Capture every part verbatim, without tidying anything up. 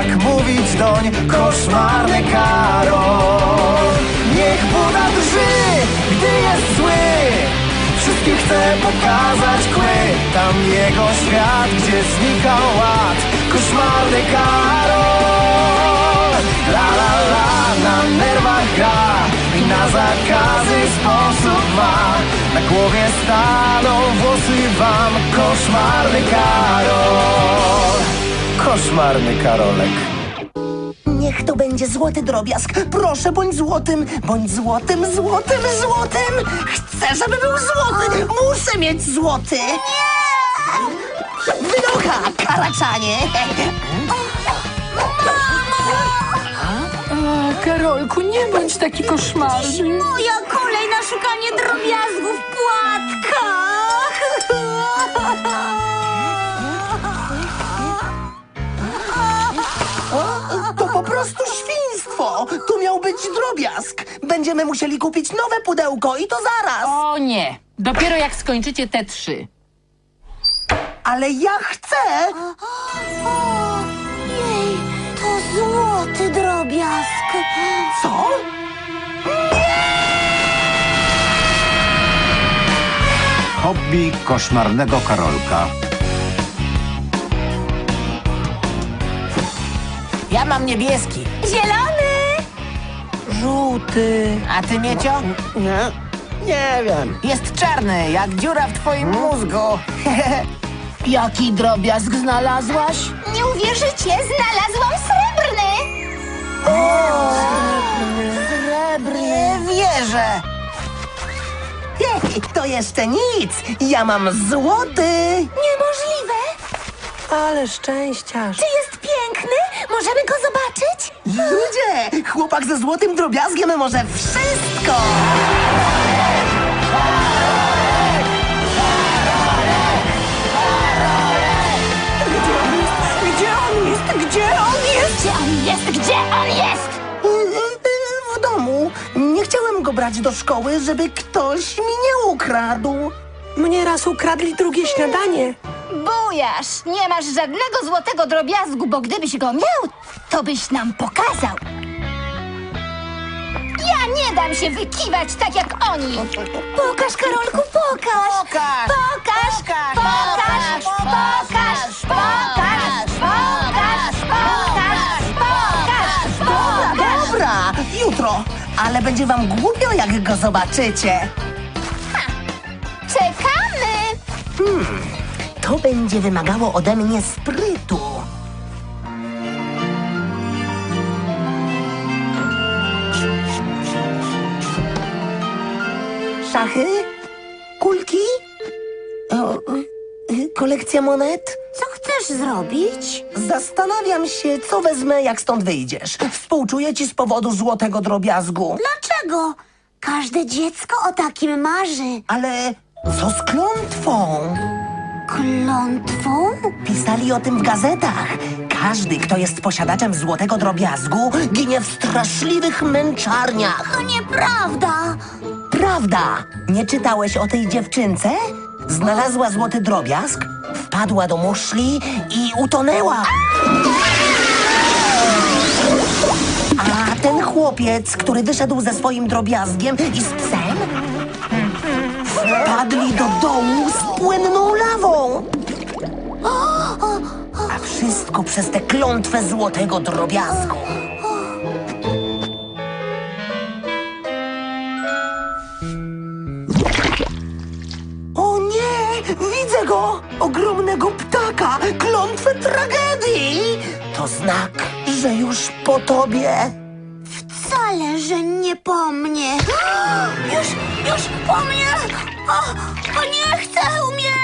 tak mówić doń, koszmarny Karol. Niech Buda drży, gdy jest zły, wszystkim chce pokazać kły. Tam jego świat, gdzie znika ład, koszmarny Karol. La la la, na nerwach gra i na zakazy sposób ma. Na głowie staną włosy wam, koszmarny Karol. Koszmarny Karolek. Niech to będzie złoty drobiazg. Proszę, bądź złotym, bądź złotym, złotym, złotym. Chcę, żeby był złoty. Muszę mieć złoty. Nie! Wynocha, karaczanie. A, Karolku, nie bądź taki koszmarny. Moja kolej na szukanie drobiazgów w płatkach. To po prostu świństwo. Tu miał być drobiazg. Będziemy musieli kupić nowe pudełko i to zaraz. O nie, dopiero jak skończycie te trzy. Ale ja chcę. Jej, to złoty drobiazg. Co? Hobby koszmarnego Karolka. Ja mam niebieski. Zielony. Żółty. A ty, Miecio? Nie, nie wiem. Jest czarny, jak dziura w twoim mózgu. Jaki drobiazg znalazłaś? Nie uwierzycie, znalazłam srebrny. Srebrny. Nie wierzę. Hej, to jeszcze nic. Ja mam złoty. Niemożliwe. Ale szczęściarz. Czy jest piękny? Możemy go zobaczyć? Ludzie, chłopak ze złotym drobiazgiem może wszystko. Gdzie on jest? Gdzie on jest? Gdzie on jest? Gdzie on jest? W domu. Nie chciałem go brać do szkoły, żeby ktoś mi nie ukradł. Mnie raz ukradli drugie śniadanie. Bujasz, nie masz żadnego złotego drobiazgu, bo gdybyś go miał, to byś nam pokazał. Ja nie dam się wykiwać tak jak oni. Pokaż, Karolku, pokaż. Pokaż. Pokaż, Pokaż. pokaż, pokaż, pokaż, pokaż, pokaż, pokaż, pokaż. Dobra, jutro. Ale będzie wam głupio, jak go zobaczycie. Czekamy. To będzie wymagało ode mnie sprytu. Szachy? Kulki? O, y, kolekcja monet? Co chcesz zrobić? Zastanawiam się, co wezmę, jak stąd wyjdziesz. Współczuję ci z powodu złotego drobiazgu. Dlaczego? Każde dziecko o takim marzy. Ale co z klątwą? Klątwą? Pisali o tym w gazetach. Każdy, kto jest posiadaczem złotego drobiazgu, ginie w straszliwych męczarniach. To nieprawda. Prawda? Nie czytałeś o tej dziewczynce? Znalazła złoty drobiazg, wpadła do muszli i utonęła. A ten chłopiec, który wyszedł ze swoim drobiazgiem i z psem, wpadli do dołu z płynną lawą. A wszystko przez tę klątwę złotego drobiazgu. O nie! Widzę go! Ogromnego ptaka! Klątwę tragedii! To znak, że już po tobie. Wcale, że nie po mnie. Już, już po mnie! O, o nie chcę umierać!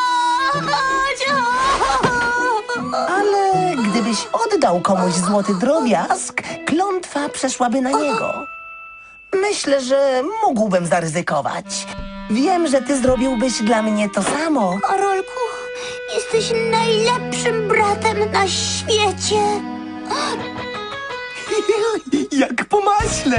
Ale gdybyś oddał komuś złoty drobiazg, klątwa przeszłaby na niego. Myślę, że mógłbym zaryzykować. Wiem, że ty zrobiłbyś dla mnie to samo. Karolku, jesteś najlepszym bratem na świecie. Jak po maśle.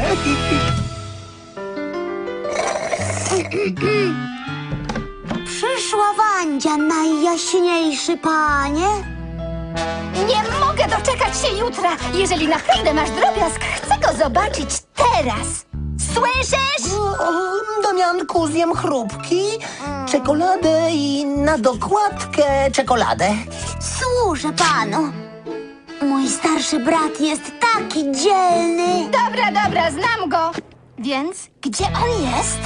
Przyszła Wandzia, najjaśniejszy panie. Nie mogę doczekać się jutra. Jeżeli naprawdę masz drobiazg, chcę go zobaczyć teraz. Słyszysz? O, Damianku, zjem chrupki, czekoladę i na dokładkę czekoladę. Służę panu. Mój starszy brat jest taki dzielny. Dobra, dobra, znam go. Więc gdzie on jest?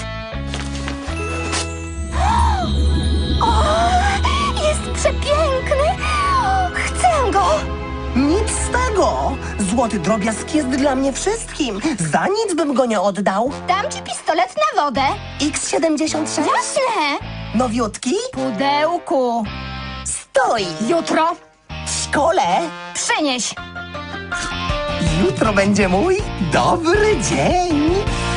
O, jest przepiękny. Chcę go. Nic z tego. Złoty drobiazg jest dla mnie wszystkim. Za nic bym go nie oddał. Dam ci pistolet na wodę. X siedemdziesiąt sześć? Jasne. Nowiutki? Pudełku. Stoi. Jutro W szkole. przynieś. Jutro będzie mój dobry dzień.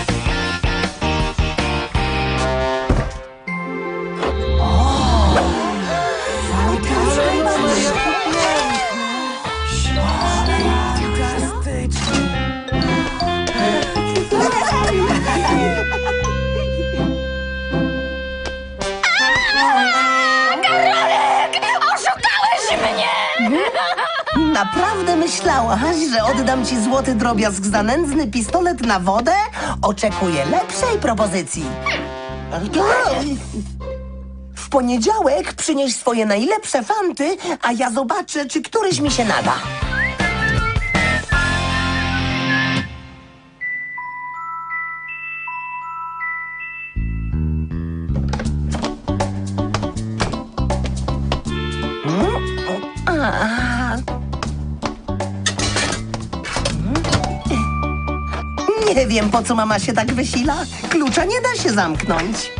Karolek! Oszukałeś mnie! Naprawdę myślałaś, że oddam ci złoty drobiazg za nędzny pistolet na wodę? Oczekuję lepszej propozycji. W poniedziałek przynieś swoje najlepsze fanty, a ja zobaczę, czy któryś mi się nada. Nie wiem, po co mama się tak wysila. Klucza nie da się zamknąć.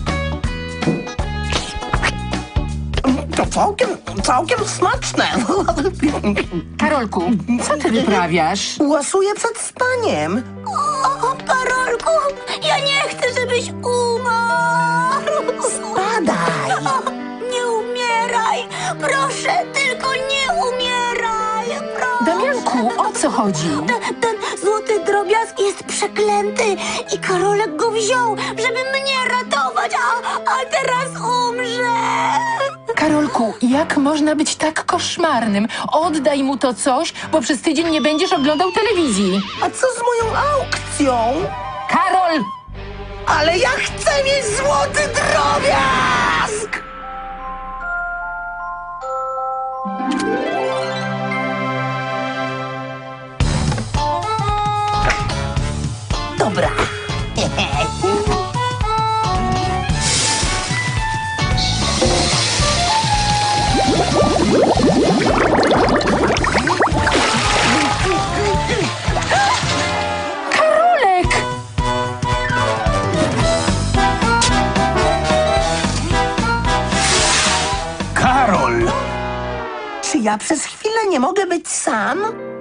To całkiem, całkiem smaczne. Karolku, co ty wyprawiasz? Łasuję przed spaniem. O, Karolku, ja nie chcę, żebyś umarł. Spadaj. Nie umieraj. Proszę, tylko nie umieraj. Proszę. Damianku, o co chodzi? Ten, ten złoty drobiazg jest przeklęty i Karolek go wziął, żeby mnie ratować, a, a teraz umrze. Karolku, jak można być tak koszmarnym? Oddaj mu to coś, bo przez tydzień nie będziesz oglądał telewizji. A co z moją aukcją? Karol! Ale ja chcę mieć złoty drobiazg! Dobra. Karolek! Karol! Czy ja przez chwilę nie mogę być sam?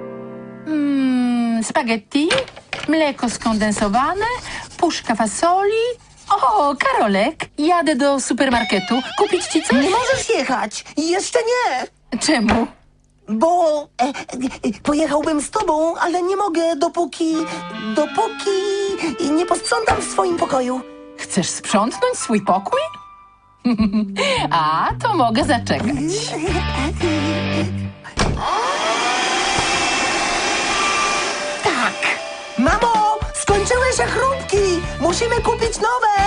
Mm, spaghetti, mleko skondensowane, puszka fasoli. O, Karolek, jadę do supermarketu. Kupić ci coś? Nie możesz jechać. Jeszcze nie. Czemu? Bo e, e, pojechałbym z tobą, ale nie mogę, dopóki, dopóki nie posprzątam w swoim pokoju. Chcesz sprzątnąć swój pokój? A, to mogę zaczekać. Tak. Mamo, skończyły się chrupki. Musimy kupić nowe.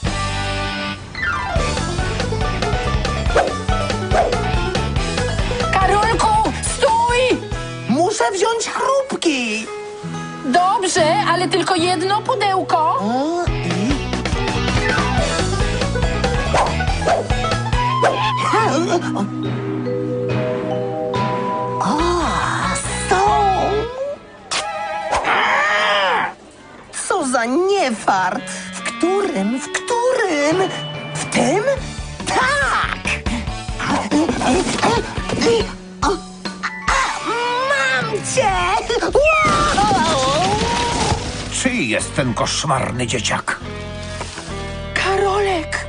Karolku, stój! Muszę wziąć chrupki. Dobrze, ale tylko jedno pudełko. O, i... O, są. Co za niefart. W którym, w którym? W tym? Tak. O, a, mam cię. Wow! Czyj jest ten koszmarny dzieciak? Karolek!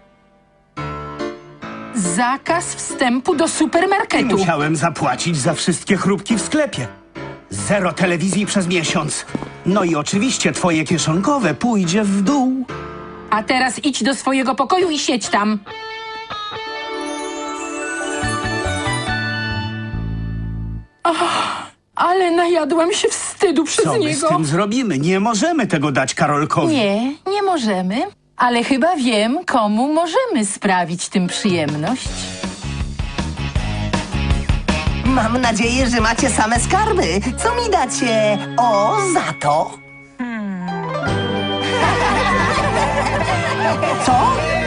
Zakaz wstępu do supermarketu. Musiałem zapłacić za wszystkie chrupki w sklepie. Zero telewizji przez miesiąc. No i oczywiście twoje kieszonkowe pójdzie w dół. A teraz idź do swojego pokoju i siedź tam. Ale najadłam się wstydu przez Co my z niego. tym zrobimy? Nie możemy tego dać Karolkowi. Nie, nie możemy. Ale chyba wiem, komu możemy sprawić tym przyjemność. Mam nadzieję, że macie same skarby. Co mi dacie? O, za to. Co?